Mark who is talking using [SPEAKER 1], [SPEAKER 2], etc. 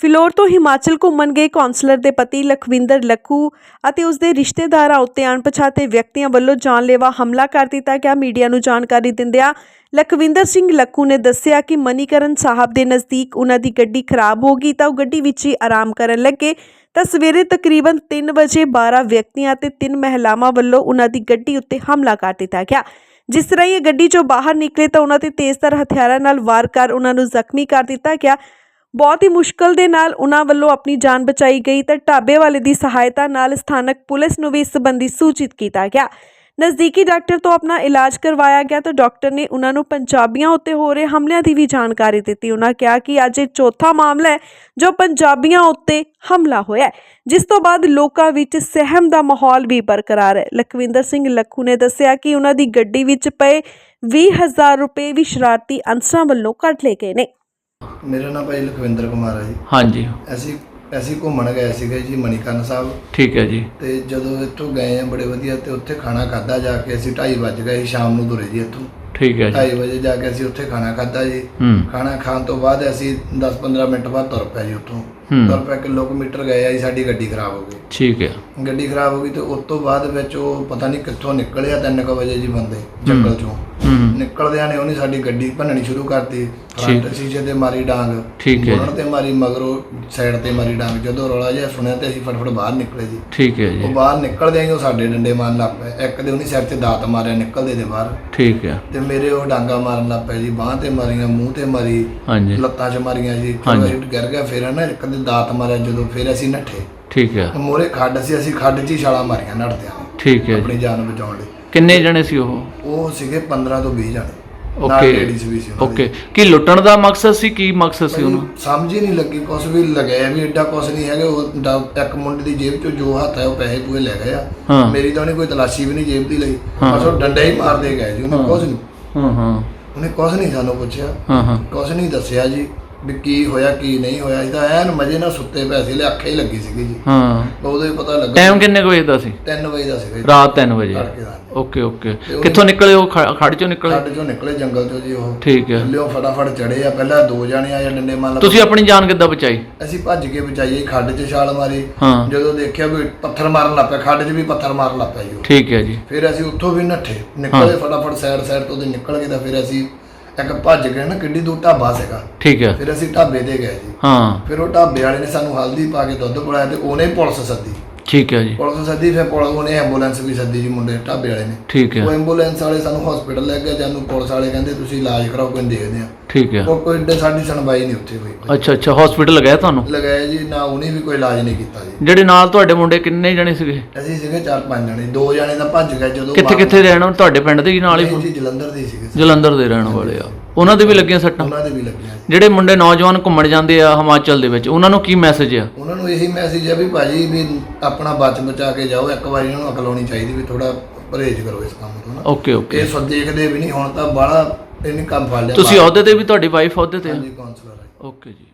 [SPEAKER 1] ਫਿਲੌਰ ਤੋਂ ਹਿਮਾਚਲ ਘੁੰਮਣ ਗਏ ਕੌਂਸਲਰ ਦੇ ਪਤੀ ਲਖਵਿੰਦਰ ਲੱਖੂ ਅਤੇ ਉਸ ਦੇ ਰਿਸ਼ਤੇਦਾਰਾਂ ਉੱਤੇ ਅਣਪਛਾਤੇ ਵਿਅਕਤੀਆਂ ਵੱਲੋਂ ਜਾਨਲੇਵਾ ਹਮਲਾ ਕਰ ਦਿੱਤਾ ਗਿਆ। ਮੀਡੀਆ ਨੂੰ ਜਾਣਕਾਰੀ ਦਿੰਦਿਆਂ ਲਖਵਿੰਦਰ ਸਿੰਘ ਲੱਖੂ ਨੇ ਦੱਸਿਆ ਕਿ ਮਨੀਕਰਨ ਸਾਹਿਬ ਦੇ ਨਜ਼ਦੀਕ ਉਹਨਾਂ ਦੀ ਗੱਡੀ ਖਰਾਬ ਹੋ ਗਈ ਤਾਂ ਉਹ ਗੱਡੀ ਵਿੱਚ ਹੀ ਆਰਾਮ ਕਰਨ ਲੱਗੇ ਤਾਂ ਸਵੇਰੇ ਤਕਰੀਬਨ 3 ਵਜੇ 12 ਵਿਅਕਤੀਆਂ ਅਤੇ 3 ਮਹਿਲਾਵਾਂ ਵੱਲੋਂ ਉਹਨਾਂ ਦੀ ਗੱਡੀ ਉੱਤੇ ਹਮਲਾ ਕਰ ਦਿੱਤਾ ਗਿਆ। ਜਿਸ ਤਰ੍ਹਾਂ ਇਹ ਗੱਡੀ ਚੋਂ ਬਾਹਰ ਨਿਕਲੇ ਤਾਂ ਉਹਨਾਂ ਤੇ ਤੇਜ਼ਧਾਰ ਹਥਿਆਰਾਂ ਨਾਲ ਵਾਰ ਕਰ ਉਹਨਾਂ ਨੂੰ ਜ਼ਖਮੀ ਕਰ ਦਿੱਤਾ ਗਿਆ। ਬਹੁਤ ਹੀ ਮੁਸ਼ਕਲ ਦੇ ਨਾਲ ਉਹਨਾਂ ਵੱਲੋਂ ਆਪਣੀ ਜਾਨ ਬਚਾਈ ਗਈ ਤਾਂ ਢਾਬੇ ਵਾਲੇ ਦੀ ਸਹਾਇਤਾ ਨਾਲ ਸਥਾਨਕ ਪੁਲਿਸ ਨੂੰ ਵੀ ਇਸ ਸੰਬੰਧੀ ਸੂਚਿਤ ਕੀਤਾ ਗਿਆ। ਨਜ਼ਦੀਕੀ ਡਾਕਟਰ ਤੋਂ ਆਪਣਾ ਇਲਾਜ ਕਰਵਾਇਆ ਗਿਆ ਤਾਂ ਡਾਕਟਰ ਨੇ ਉਹਨਾਂ ਨੂੰ ਪੰਜਾਬੀਆਂ ਉੱਤੇ ਹੋ ਰਹੇ ਹਮਲਿਆਂ ਦੀ ਵੀ ਜਾਣਕਾਰੀ ਦਿੱਤੀ। ਉਹਨਾਂ ਕਿਹਾ ਕਿ ਅੱਜ ਇਹ ਚੌਥਾ ਮਾਮਲਾ ਹੈ ਜੋ ਪੰਜਾਬੀਆਂ ਉੱਤੇ ਹਮਲਾ ਹੋਇਆ ਹੈ, ਜਿਸ ਤੋਂ ਬਾਅਦ ਲੋਕਾਂ ਵਿੱਚ ਸਹਿਮ ਦਾ ਮਾਹੌਲ ਵੀ ਬਰਕਰਾਰ ਹੈ। ਲਖਵਿੰਦਰ ਸਿੰਘ ਲੱਖੂ ਨੇ ਦੱਸਿਆ ਕਿ ਉਹਨਾਂ ਦੀ ਗੱਡੀ ਵਿੱਚ ਪਏ 20,000 ਰੁਪਏ ਵੀ ਸ਼ਰਾਰਤੀ ਅਨਸਰਾਂ ਵੱਲੋਂ ਕੱਢ ਲਏ ਗਏ ਨੇ।
[SPEAKER 2] मेरा नाम भाई लखविंदर कुमार है जी।
[SPEAKER 3] हाँ जी।
[SPEAKER 2] ਅਸੀਂ ਘੁੰਮਣ ਗਏ ਸੀਗੇ ਜੀ ਮਨੀਕਰਨ ਸਾਹਿਬ।
[SPEAKER 3] ਠੀਕ ਹੈ ਜੀ।
[SPEAKER 2] ਤੇ ਜਦੋਂ ਇੱਥੋਂ ਗਏ ਆ ਬੜੇ ਵਧੀਆ ਤੇ ਉੱਥੇ ਖਾਣਾ ਖਾਦਾ ਜਾ ਕੇ ਅਸੀਂ 2:30 ਵਜ ਗਏ ਸ਼ਾਮ ਨੂੰ ਤੁਰੇ ਜੀ ਇੱਥੋਂ।
[SPEAKER 3] ਠੀਕ ਹੈ ਜੀ।
[SPEAKER 2] 2:30 ਵਜੇ ਜਾ ਕੇ ਅਸੀਂ ਉੱਥੇ ਖਾਣਾ ਖਾਦਾ ਜੀ। ਖਾਣਾ ਖਾਣ ਤੋਂ ਬਾਅਦ ਅਸੀਂ 10-15 ਮਿੰਟ ਬਾਅਦ ਤੁਰ ਪਏ ਜੀ ਉੱਥੋਂ। ਤੁਰ ਪਏ ਕਿਲੋਮੀਟਰ ਗਏ ਆ ਜੀ, ਸਾਡੀ ਗੱਡੀ ਖਰਾਬ ਹੋ ਗਈ।
[SPEAKER 3] ਠੀਕ ਹੈ। ਗੱਡੀ
[SPEAKER 2] ਖਰਾਬ ਹੋ ਗਈ ਤੇ ਉਸ ਤੋਂ ਬਾਅਦ ਵਿੱਚ ਉਹ ਪਤਾ ਨਹੀਂ ਕਿੱਥੋਂ ਨਿਕਲਿਆ 3 ਵਜੇ ਜੀ ਬੰਦੇ ਜੰਗਲ ਚੋਂ ਨਿਕਲਦਿਆਂ ਨੇ ਉਹਨੇ ਸਾਡੀ ਗੱਡੀ ਭੰਨਣੀ ਸ਼ੁਰੂ ਕਰਤੀ। ਫਰੰਟ ਸ਼ੀਸ਼ੇ ਤੇ ਮਾਰੀ ਡਾਂਗ, ਬੋਨਟ ਤੇ ਮਾਰੀ, ਮਗਰੋਂ ਸਾਈਡ ਤੇ ਮਾਰੀ ਡਾਂਗ। ਜਦੋਂ ਰੌਲਾ ਜਿਹਾ ਸੁਣਿਆ ਤੇ ਅਸੀਂ ਫਟਫਟ ਬਾਹਰ ਨਿਕਲੇ ਜੀ। ਠੀਕ ਹੈ ਜੀ। ਉਹ ਬਾਹਰ ਨਿਕਲਦੇ ਉਹ ਸਾਡੇ ਡੰਡੇ ਮਾਰਨ ਲੱਗ ਪਏ। ਇੱਕ ਦੇ ਉਹਨੇ ਸਿਰ ਤੇ ਦਾਤ ਮਾਰਿਆ ਨਿਕਲਦੇ ਦੇ ਬਾਹਰ। ਠੀਕ ਹੈ। ਤੇ ਮੇਰੇ ਉਹ ਡਾਂਗਾ ਮਾਰਨ ਲੱਗ ਪਏ ਜੀ, ਬਾਂਹ ਤੇ ਮਾਰੀਆਂ, ਮੂੰਹ ਤੇ ਮਾਰੀ, ਲੱਤਾਂ 'ਚ ਮਾਰੀਆਂ ਜੀ। ਗਿਰ ਗਿਆ। ਫਿਰ ਨਾ ਇੱਕ ਦੇ ਦਾਤ ਮਾਰਿਆ ਜਦੋਂ, ਫਿਰ ਅਸੀਂ ਨੱਠੇ। ਠੀਕ ਹੈ। ਮੋਰੇ ਖੱਡ ਸੀ, ਅਸੀਂ ਖੱਡ 'ਚ ਹੀ ਛਾਲਾਂ ਮਾਰੀਆਂ ਨੱਠਦਿਆਂ। ਠੀਕ ਹੈ। ਆਪਣੀ ਜਾਨ ਬਚਾਉਣ ਲਈ।
[SPEAKER 3] ਕਿੰਨੇ ਜਣੇ ਸੀ ਉਹ
[SPEAKER 2] ਸੀਗੇ 15 ਤੋਂ 20 ਜਣੇ।
[SPEAKER 3] ਓਕੇ। ਕੀ ਲੁੱਟਣ ਦਾ ਮਕਸਦ ਸੀ? ਕੀ ਮਕਸਦ ਸੀ ਉਹਨੂੰ?
[SPEAKER 2] ਸਮਝ ਹੀ ਨਹੀਂ ਲੱਗੀ। ਕੁਛ ਵੀ ਲਗਾਇਆ ਵੀ ਐਡਾ ਕੁਛ ਨਹੀਂ ਹੈਗਾ। ਉਹ ਇੱਕ ਮੁੰਡੇ ਦੀ ਜੇਬ 'ਚੋਂ ਜੋ ਹੱਥ ਹੈ ਉਹ ਪੈਸੇ ਪੂਏ ਲੈ ਗਏ ਆ। ਮੇਰੀ ਤਾਂ ਉਹਨੇ ਕੋਈ ਤਲਾਸ਼ੀ ਵੀ ਨਹੀਂ ਜੇਬ ਦੀ ਲਈ, ਬਸ ਉਹ ਡੰਡਾ ਹੀ ਮਾਰਦੇ ਗਏ ਜੀ। ਉਹਨੇ ਕੁਛ ਨਹੀਂ ਉਹਨੇ ਕੁਛ ਨਹੀਂ ਸਾਨੂੰ ਪੁੱਛਿਆ, ਕੁਛ ਨਹੀਂ ਦੱਸਿਆ ਜੀ ਵੀ ਕੀ ਹੋਇਆ ਕੀ ਨਹੀਂ ਹੋਇਆ। ਇਹਦਾ ਐਨ ਮਜੇ ਨਾਲ ਸੁੱਤੇ ਪਏ ਸੀ, ਅੱਖਾਂ ਹੀ ਲੱਗੀ ਸੀਗੀ ਜੀ। ਉਦੋਂ ਹੀ ਪਤਾ ਲੱਗਾ।
[SPEAKER 3] ਟਾਈਮ ਕਿੰਨੇ ਵਜੇ ਦਾ ਸੀ?
[SPEAKER 2] 3 ਵਜੇ ਦਾ ਸੀ
[SPEAKER 3] ਰਾਤ 3 ਵਜੇ। ਓਕੇ। ਕਿੱਥੋਂ ਨਿਕਲੇ ਉਹ? ਖੱਡ ਚੋਂ ਨਿਕਲੇ?
[SPEAKER 2] ਖੱਡ ਚੋਂ ਨਿਕਲੇ, ਜੰਗਲ ਚੋਂ ਜੀ ਉਹ। ਠੀਕ ਹੈ। ਲਿਓ ਫਟਾਫਟ ਚੜੇ ਆ। ਪਹਿਲਾਂ 2 ਜਣੇ ਆਏ ਡੰਡੇ ਮਾਰ।
[SPEAKER 3] ਤੁਸੀਂ ਆਪਣੀ ਜਾਨ ਕਿੱਦਾਂ ਬਚਾਈ?
[SPEAKER 2] ਅਸੀਂ ਭੱਜ ਕੇ ਬਚਾਈ। ਖੱਡ 'ਚ ਛਾਲ ਮਾਰੀ। ਜਦੋਂ ਦੇਖਿਆ ਵੀ ਪੱਥਰ ਮਾਰਨ ਲੱਗ ਪਿਆ, ਖੱਡ 'ਚ ਵੀ ਪੱਥਰ ਮਾਰਨ ਲੱਗ ਪਿਆ ਜੀ। ਠੀਕ ਹੈ ਜੀ। ਫਿਰ ਅਸੀਂ ਉੱਥੋਂ ਵੀ ਨੱਠੇ, ਨਿਕਲੇ ਫਟਾਫਟ ਸਾਈਡ ਤੋਂ ਨਿਕਲ ਕੇ ਤਾਂ ਫਿਰ ਅਸੀਂ ਇੱਕ ਭੱਜ ਗਏ ਨਾ, ਕਿੱਡੀ ਦੂਰ ਢਾਬਾ ਸੀਗਾ। ਠੀਕ ਹੈ। ਫਿਰ ਅਸੀਂ ਢਾਬੇ ਤੇ ਗਏ ਜੀ। ਫਿਰ ਉਹ ਢਾਬੇ ਵਾਲੇ ਨੇ ਸਾਨੂੰ ਹਲਦੀ ਪਾ ਕੇ ਦੁੱਧ ਪਿਲਾਇਆ ਤੇ ਉਹਨੇ ਪੁਲਿਸ ਸੱਦੀ। ਠੀਕ ਹੈ ਜੀ। ਪੁਲਿਸ ਸੱਦੀ, ਫਿਰ ਉਹਨੇ ਐਂਬੂਲੈਂਸ ਵੀ ਸੱਦੀ ਜੀ ਮੁੰਡੇ ਢਾਬੇ ਵਾਲੇ ਨੇ। ਠੀਕ ਹੈ। ਉਹ ਐਂਬੂਲੈਂਸ ਵਾਲੇ ਸਾਨੂੰ ਹਸਪੀਟਲ ਲੈ ਗਏ। ਜਾਨੂੰ ਪੁਲਿਸ ਵਾਲੇ ਕਹਿੰਦੇ ਤੁਸੀਂ ਇਲਾਜ ਕਰਾਓ, ਕੋਈ ਦੇਖਦੇ ਆ। ਠੀਕ ਹੈ। ਕੋਈ ਏਡੇ ਸਾਡੀ ਸੁਣਵਾਈ ਨਹੀਂ ਉੱਥੇ ਹੋਈ। ਅੱਛਾ। ਹਸਪੀਟਲ ਲਗਾਇਆ ਤੁਹਾਨੂੰ? ਲਗਾਇਆ ਜੀ। ਨਾ ਉਹਨੇ ਵੀ ਕੋਈ ਇਲਾਜ ਨਹੀਂ ਕੀਤਾ ਜੀ। ਜਿਹੜੇ ਨਾਲ ਤੁਹਾਡੇ ਮੁੰਡੇ ਕਿੰਨੇ ਜਣੇ ਸੀਗੇ? ਅਸੀਂ ਸੀਗੇ 4-5 ਜਣੇ। 2 ਜਣੇ ਤਾਂ ਭੱਜ ਗਏ। ਜਦੋਂ ਕਿੱਥੇ ਰਹਿਣ? ਤੁਹਾਡੇ ਪਿੰਡ ਦੇ ਨਾਲ ਹੀ? ਜਲੰਧਰ ਦੇ ਸੀਗੇ। ਜਲੰਧਰ ਦੇ ਰਹਿਣ ਵਾਲੇ ਆ। ਉਹਨਾਂ ਦੇ ਵੀ ਲੱਗੀਆਂ ਸੱਟਾਂ? ਉਹਨਾਂ ਦੇ ਵੀ ਲੱਗੀਆਂ। ਜਿਹੜੇ ਮੁੰਡੇ ਨੌਜਵਾਨ ਘੁੰਮਣ ਜਾਂਦੇ ਆ ਹਿਮਾਚਲ ਦੇ ਵਿੱਚ, ਉਹਨਾਂ ਨੂੰ ਕੀ ਮੈਸੇਜ ਆ? ਉਹਨਾਂ ਨੂੰ ਇਹੀ ਮੈਸੇਜ ਆ ਵੀ ਭਾਜੀ ਵੀ ਆਪਣਾ ਬਚਾ ਕੇ ਜਾਓ। ਇੱਕ ਵਾਰੀ ਉਹਨਾਂ ਨੂੰ ਅਕਲ ਆਉਣੀ ਚਾਹੀਦੀ ਵੀ ਥੋੜਾ ਪਰਹੇਜ਼ ਕਰੋ ਇਸ ਕੰਮ ਤੋਂ ਨਾ। ਓਕੇ। ਇਹ ਸਭ ਦੇਖਦੇ ਵੀ ਨਹੀਂ ਹੁਣ ਤਾਂ ਬਾਹਲਾ ਇਹਨੇ ਕੰਮ ਫੜ ਲਿਆ। ਤੁਸੀਂ ਅਹੁਦੇ ਤੇ ਵੀ? ਤੁਹਾਡੀ ਵਾਈਫ ਅਹੁਦੇ ਤੇ? ਹਾਂਜੀ, ਕਾਉਂਸਲਰ ਹੈ। ਓਕੇ ਜੀ।